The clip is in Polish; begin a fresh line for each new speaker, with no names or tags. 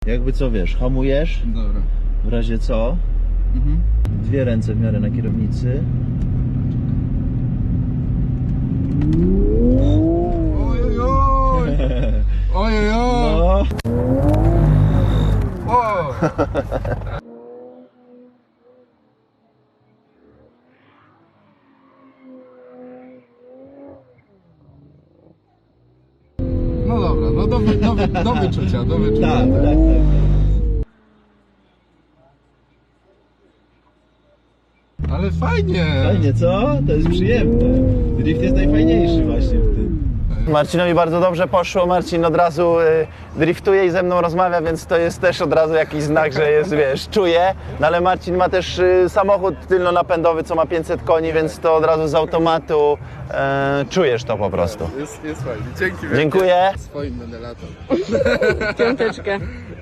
Jakby co, wiesz, hamujesz,
Dobra.
w razie co, dwie ręce w miarę na kierownicy.
Ojojoj! Ojojoj!
No.
O! No dobra, no do wyczucia, do wyczucia.
Tak.
Ale fajnie!
Fajnie, co? To jest przyjemne. Drift jest najfajniejszy właśnie w tym. Marcinowi bardzo dobrze poszło, Marcin od razu driftuje i ze mną rozmawia, więc to jest też od razu jakiś znak, że jest, wiesz, czuje. No ale Marcin ma też samochód tylnonapędowy, co ma 500 koni, więc to od razu z automatu czujesz to po prostu.
Jest fajnie. Dzięki wielkie.
Dziękuję.
Swoim będę latał.
Piąteczkę.